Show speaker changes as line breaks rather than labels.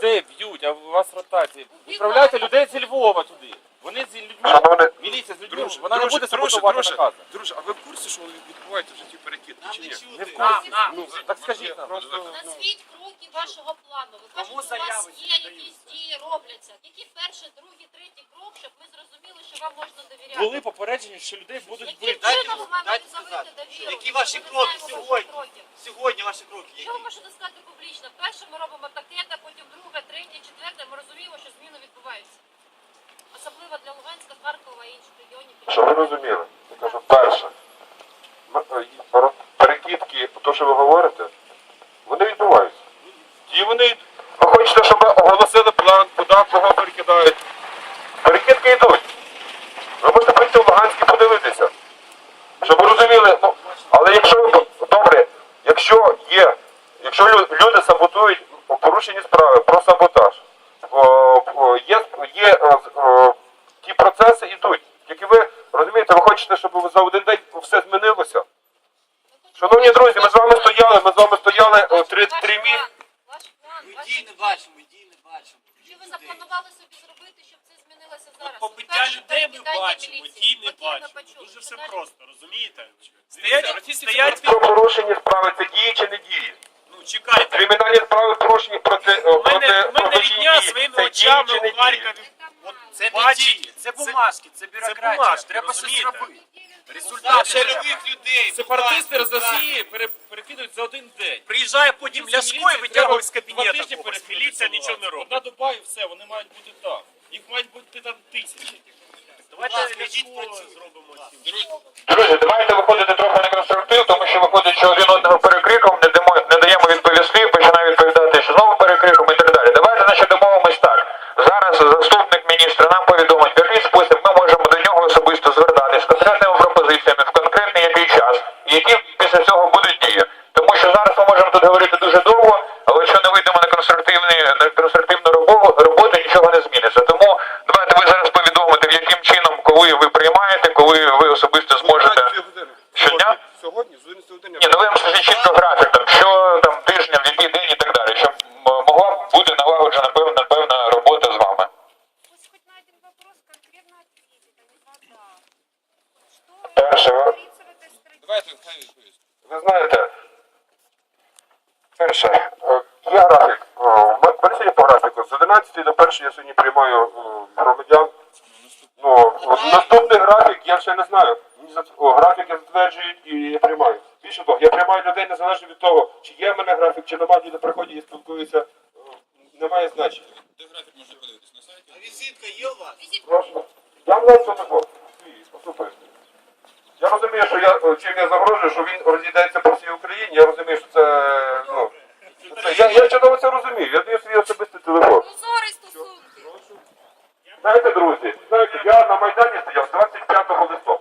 людей б'ють, а у вас ротації. Відправляйте людей зі Львова туди. Вони з людьми, міліція з людьми, вона не буде саботувати накази.
Друже, а ви в курсі, що відбувається в житті перекидки, чи ні?
Не в курсі. Ну, так скажіть нам.
Назвіть кроки вашого плану. Ви кажете, у вас є якісь дії, робляться. Які перший, другий, третій крок, щоб ми зрозуміли, що вам можна довіряти?
Були попереджені, що людей будуть
Яким
бити.
чином ми маємо завити довіру?
Які ваші
Ми не
кроки
знаємо
сьогодні?
ваших кроків.
Сьогодні ваші кроки
Що ви
які?
можете сказати публічно? Перше ми робимо таке, потім друге, третє, четверте. Ми розуміємо, що зміни відбуваються. Особливо для Луганська, Харкова і інших регіонів.
Щоб ви розуміли, я кажу, перше, перекидки, то, що ви говорите, вони відбуваються. І вони, ви хочете, щоб оголосили план, куди, кого перекидають. Перекидки йдуть. Ви можете прийти в Луганськ і подивитися. Щоб ви розуміли, ну, але якщо ви, добре, якщо люди саботують порушені справи про саботаж, ті процеси йдуть. Тільки ви, розумієте, ви хочете, щоб за один день все змінилося? Шановні друзі, ми з вами стояли 3 місяці.
Ваш план,
Ми
ваші
дій не бачимо, дій не бачимо.
Що ви запланували собі зробити, щоб це змінилося зараз?
Побиття
Перше,
людей ми
перекидання
бачимо,
міліції.
дій не
Окей, ми
бачимо.
почули.
Дуже все
Далі.
просто, розумієте?
Стоять
Про порушені справи це дії чи не дії?
Ну, чекайте.
Кримінальні справи порушені проти
У мене рідня
дії.
своїми
Це дії
очами
чи не
у
дії?
Харкові. От
Це не
бачить.
дії, це бумажки, це бюрократія.
бумажки,
Треба щось
розумієте?
робити.
Результати
Результати
треба.
рядових людей.
Сепаратисти з Росії перекидують за один день.
Приїжджає потім Ляшко і витягує з кабінету.
когось.
Міліція нічого не робить.
Одна доба і все, вони мають бути так. Їх мають бути там тисячі.
Давайте Ляшко зробимо цим.
Друзі, давайте виходити трохи на конструктив, тому що виходить, що один одного перекриком, не даємо відповісти, починає відповідати, що знову перекриком і так далі. Давайте, значить, домовимось так. Зараз заступник міністра нам повідомить, в який спосіб ми можемо до нього особисто звертатись з конкретними пропозиціями, в конкретний який час, і які після цього будуть дії. Тому що зараз ми можемо тут говорити дуже довго, але якщо не вийдемо на конструктивну роботу, нічого не зміниться. Тому давайте ви зараз повідомите, в яким чином, коли ви приймаєте, коли ви особисто зможете. Щодня?
Сьогодні, з 11 години.
Ні, ну ви скажіть чітко графік, там, що там тижня, в який день і так далі, щоб могла бути налагоджена певна робота з вами.
Пусть хоть на один вопрос конкретно ответит, а не вода. Что
Перше,
говорится в этой стратегии?
Давайте, хай відповість.
ви знаєте, перше, є графік. Пересідні по графіку. З 11 до 1 я сьогодні приймаю громадян. Ну, наступний графік я ще не знаю. Графіки затверджують і я приймаю. Більше того, я приймаю людей незалежно від того, чи є в мене графік, чи немає, люди приходять і спілкуються. Немає значення.
Де графік можна подивитись? На сайті?
А візитка є у вас?
Прошу. Я навіть цього послухайте. Я розумію, що чим я загрожую, що він розійдеться по всій Україні. Я розумію, що це, ну, я чудово це розумію. Я даю свій особистий телефон.
Прозорі стосунки.
Знаєте, друзі, я на Майдані стояв 25 листопада.